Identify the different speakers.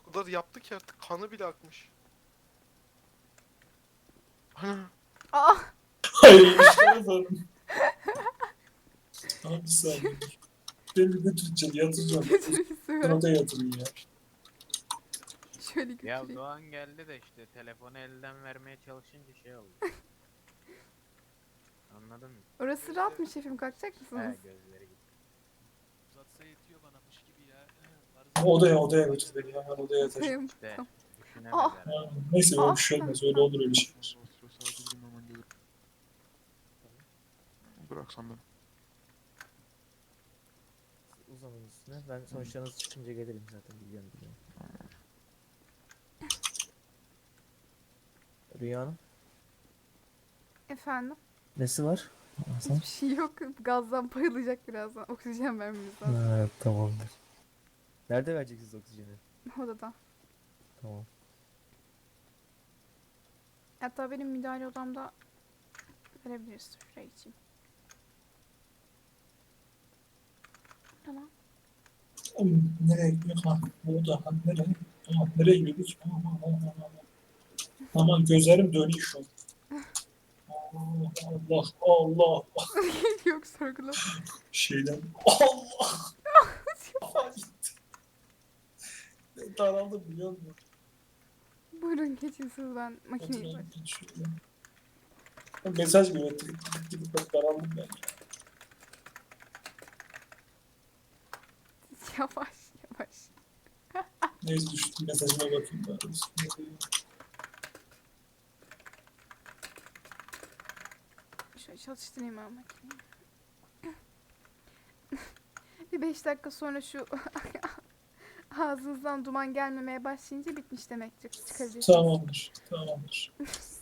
Speaker 1: O kadar yaptı ki artık kanı bile akmış. Ana.
Speaker 2: Aa!
Speaker 3: Hayır işlere bak. Abi bir saniye. Beni götüreceğim, yatıracağım.
Speaker 2: Götürürsün ver.
Speaker 3: Bana da yatırın ya.
Speaker 2: Şöyle
Speaker 4: Ya
Speaker 2: götüreyim.
Speaker 4: Doğan geldi de işte telefonu elden vermeye çalışınca şey oldu. Anladın mı?
Speaker 2: Orası rahat mı şefim? Kalkacak
Speaker 4: He
Speaker 2: mısınız?
Speaker 4: gözleri gitti.
Speaker 5: Uzatsa yetiyor bana mış gibi ya.
Speaker 3: Odaya götür beni ya. Ben odaya yatacağım.
Speaker 2: Tamam.
Speaker 4: İşte
Speaker 2: Tamam.
Speaker 4: düşünemedi
Speaker 2: Aa!
Speaker 4: herhalde.
Speaker 3: Ha, neyse
Speaker 2: Aa,
Speaker 3: öyle bir şey
Speaker 2: tamam,
Speaker 3: olmaz. Öyle
Speaker 2: tamam.
Speaker 3: olur öyle şeyler.
Speaker 1: Sadece gideyim hemen gelirim. Bıraksan beni.
Speaker 6: Uzanın üstüne. Ben sonuçlarınız çıkınca gelirim zaten biliyorum. Rüya Hanım.
Speaker 2: Efendim?
Speaker 6: Nesi var?
Speaker 2: Hiçbir şey yok. Gazdan bayılacak birazdan. Oksijen vermemiz lazım.
Speaker 6: Ha, tamamdır. Nerede vereceksiniz oksijeni?
Speaker 2: Odada.
Speaker 6: Tamam.
Speaker 2: Hatta benim müdahale odamda verebiliriz. Şuraya geçeyim. Tamam.
Speaker 3: Oğlum, nereye gidiyor? Ha, oda. Ha, nereye? Tamam, nereye gidiyoruz? Aman gözlerim dönüyor şu an. Allah Allah.
Speaker 2: Yok sorgula.
Speaker 3: Şeyden. Allah. Kafa gitti. Daraldım biliyor musun?
Speaker 2: Buyurun geçin siz, ben makineyi
Speaker 3: Oturalım,
Speaker 2: bak.
Speaker 3: şöyle. Mesaj geliyor. Tık tık daraldım ben.
Speaker 2: Yavaş yavaş.
Speaker 3: Neyse düştüm mesajına bakayım bari.
Speaker 2: Şöyle çalıştırayım ben makineyi. Bir 5 dakika sonra şu ağzınızdan duman gelmemeye başlayınca bitmiş demektir. Çıkabilirsiniz.
Speaker 3: Tamamdır. Tamamdır.